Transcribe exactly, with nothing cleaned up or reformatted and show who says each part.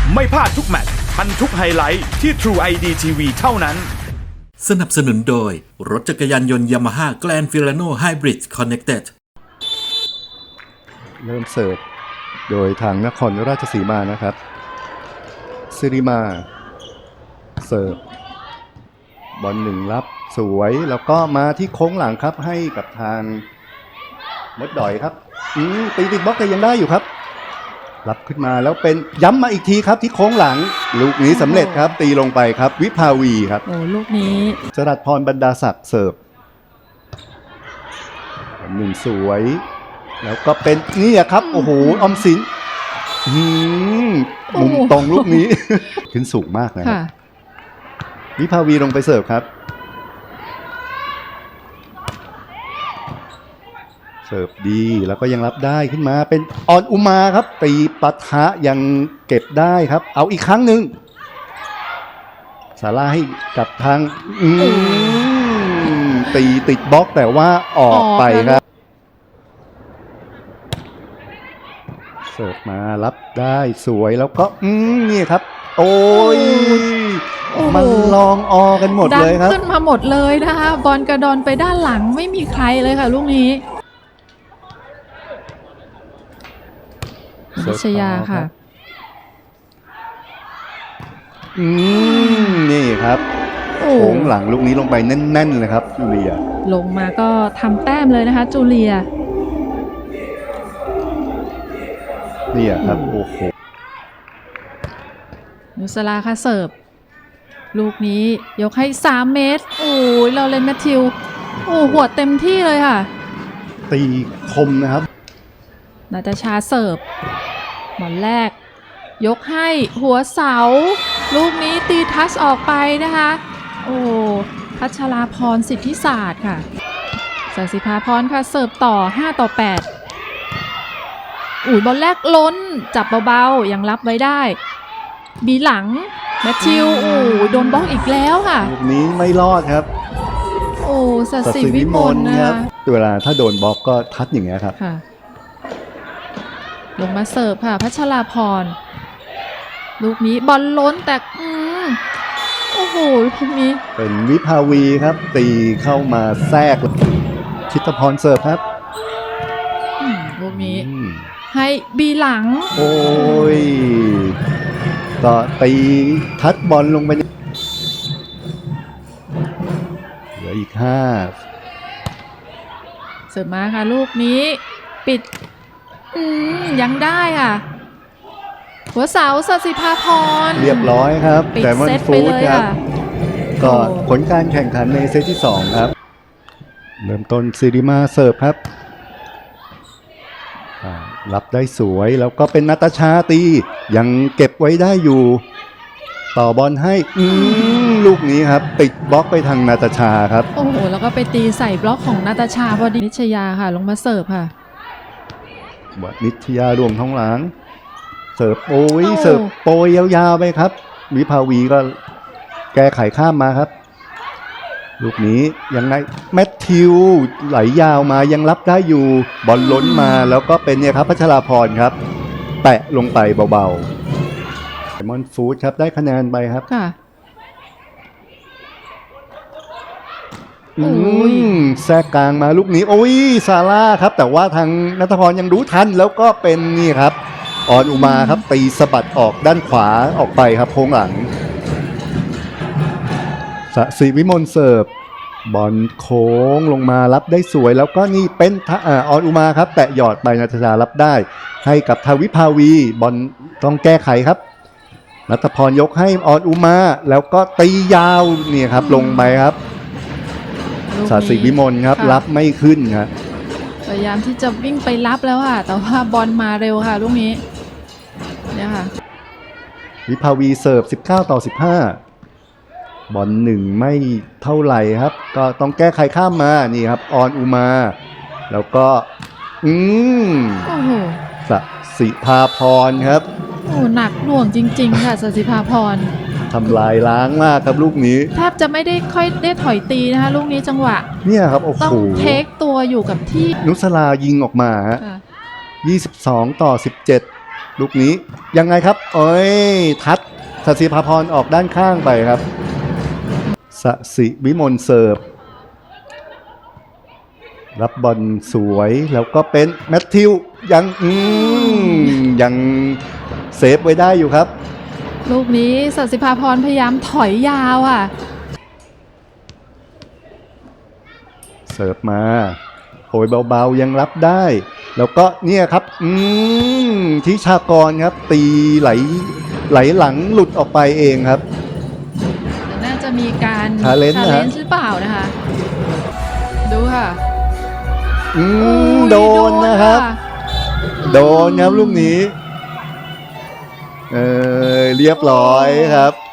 Speaker 1: ไม่พลาดทุกแมตช์ทันทุกไฮไลท์ที่ True ไอ ดี ที วี เท่านั้น
Speaker 2: สนับสนุนโดยรถจักรยานยนต์ Yamaha Grand Filano Hybrid Connected
Speaker 3: เริ่มเสิร์ฟโดยทางนครราชสีมานะครับสิริมาเสิร์ฟบอลหนึ่งรับสวยแล้วก็มาที่โค้งหลังครับให้กับทางมดดอยครับอืมตีติดบล็อกแต่ยังได้อยู่ครับรับขึ้นมาแล้วเป็นย้ำมาอีกทีครับที่โค้งหลังลูกนี้สำเร็จครับตีลงไปครับวิภาวีครับ
Speaker 4: โอ้ลูกนี้
Speaker 3: จรัสพรบรรดาศักดิ์เสิร์ฟหนึ่งสวยแล้วก็เป็นนี่ครับโอ้โหออมสินมุมตรงลูกนี้ขึ้นสูงมากนะครับวิภาวีลงไปเสิร์ฟครับเสิร์ฟดีแล้วก็ยังรับได้ขึ้นมาเป็นออนอุมาครับตีปะทะยังเก็บได้ครับเอาอีกครั้งหนึ่งสาราให้กับทางตีติดบล็อกแต่ว่าออกไปครับเสิร์ฟมารับได้สวยแล้วก็อืมนี่ครับโอ้ยมันลองออกันหมดเลยครับ
Speaker 4: ดันขึ้นมาหมดเลยนะคะบอลกระดอนไปด้านหลังไม่มีใครเลยค่ะลูกนี้นิชยาค่ะ
Speaker 3: อืมนี่ครับโค้งหลังลูกนี้ลงไปแน่นๆเลยครับจูเลีย
Speaker 4: ลงมาก็ทำแต้มเลยนะคะจูเลีย
Speaker 3: นี่ครับโอ้โห
Speaker 4: นุสลาค่ะเสิร์ฟลูกนี้ยกให้สามเมตรโอ้ยเราเล่นแมทธิวโอ้หัวเต็มที่เลยค่ะ
Speaker 3: ตีคมนะครับ
Speaker 4: นาตาชาเสิร์ฟบอลแรกยกให้หัวเสาลูกนี้ตีทัชออกไปนะคะโอ้พัชราพรสิทธิศาสตร์ค่ะสัสิภาพรค่ะเสิร์ฟต่อห้าต่อแปดอุ้ยบอลแรกล้นจับเบาๆยังรับไว้ได้บีหลังแมทธิวโอ้โดนบล็อกอีกแล้วค่ะ
Speaker 3: ลูกนี้ไม่รอดครับ
Speaker 4: โอ้สัสิวิมลนะคะ
Speaker 3: เวลาถ้าโดนบล็อกก็ทัดอย่างเงี้ยครับ
Speaker 4: ลงมาเสิร์ฟค่ะพัชราพรลูกนี้บอลล้นแต่อืมโอ้โหลูกนี้
Speaker 3: เป็นวิภาวีครับตีเข้ามาแทรกชิตพรเสิร์ฟครับ
Speaker 4: ลูกนี้ให้บีหลัง
Speaker 3: โอ้ยก็ตีทัดบอลลงไปเหลืออีกห้า
Speaker 4: เสิร์ฟมาค่ะลูกนี้ปิดอืมยังได้ค่ะหัวเสาสัสิภาพร
Speaker 3: เรียบร้อยครับแต่มันฟูดครับก็ผลการแข่งขันในเซตที่สองครับเริ่มต้นสิริมาเสิร์ฟครับรับได้สวยแล้วก็เป็นนาตาชาตียังเก็บไว้ได้อยู่ต่อบอลให้ลูกนี้ครับติดบล็อกไปทางนาตาชาครับ
Speaker 4: โอ้โหแล้วก็ไปตีใส่บล็อกของนาตาชาพอดีนิชยาค่ะลงมาเสิร์ฟค่ะ
Speaker 3: วัดนิชยารวมท้องหลังเสิร์ฟโอ้ยเสิร์ฟโปรยยาวๆไปครับวิภาวีก็แก้ไขข้ามมาครับลูกนี้ยังไงแมทธิวไหลยาวมายังรับได้อยู่บอลล้นมาแล้วก็เป็นเนี่ยครับพัชราพรครับแตะลงไปเบาๆไดมอนด์ฟู้ดครับได้คะแนนไปครับ
Speaker 4: ค่ะ
Speaker 3: อืมแทรกกลางมาลูกนี้โอ้ยซาร่าครับแต่ว่าทางณัฐพรยังรู้ทันแล้วก็เป็นนี่ครับออนอุมาครับตีสะบัดออกด้านขวาออกไปครับโค้งหลังสศิวิมลเสิร์ฟบอลโค้งลงมารับได้สวยแล้วก็นี่เป็นออนอุมาครับแตะหยอดไปนัทชารับได้ให้กับทวิภาวีบอลต้องแก้ไขครับณัฐพรยกให้ออนอุมาแล้วก็ตียาวนี่ครับลงไปครับสศิวิมลครับรับไม่ขึ้นครับ
Speaker 4: พยายามที่จะวิ่งไปรับแล้วค่ะแต่ว่าบอลมาเร็วค่ะลูกนี้เนี่ยค่ะ
Speaker 3: วิภาวีเสิร์ฟสิบเก้าต่อสิบห้าบอลหนึ่งไม่เท่าไหร่ครับก็ต้องแก้ไขข้ามมานี่ครับออนอุมาแล้วก็อืม
Speaker 4: โอ้โห
Speaker 3: สศิภาพรครับ
Speaker 4: โอ้หนักหน่วงจริงๆค่ะสศิภาพร
Speaker 3: ทำลายล้างมากครับลูกนี้
Speaker 4: แทบจะไม่ได้ค่อยได้ถอยตีนะคะลูกนี้จังหวะ
Speaker 3: เนี่ยครับโอ้โห
Speaker 4: ต้องเทคตัวอยู่กับที่
Speaker 3: นุสลายิงออกมาฮะยี่สิบสองต่อสิบเจ็ดลูกนี้ยังไงครับเอ้ยทัดสศิภาพรออกด้านข้างไปครับสศิวิมลเสิร์ฟรับบอลสวยแล้วก็เป็นแมทธิวยังอืมยังเซฟไว้ได้อยู่ครับ
Speaker 4: ลูกนี้สัสิภาพรพยายามถอยยาวอ่ะ
Speaker 3: เสิร์ฟมาโหยเบาๆยังรับได้ แล้วก็เนี่ยครับอืมทิชากรครับตีไหลไหลหลังหลุดออกไปเองครับ
Speaker 4: น่าจะมีการ
Speaker 3: Challenge นะฮะ
Speaker 4: challenge หรือเปล่านะคะ ดูค่ะ
Speaker 3: อืม
Speaker 4: อุ้ย
Speaker 3: โดนนะครับ
Speaker 4: ค่ะ
Speaker 3: โดนครับลูกนี้เออเรียบร้อยครับ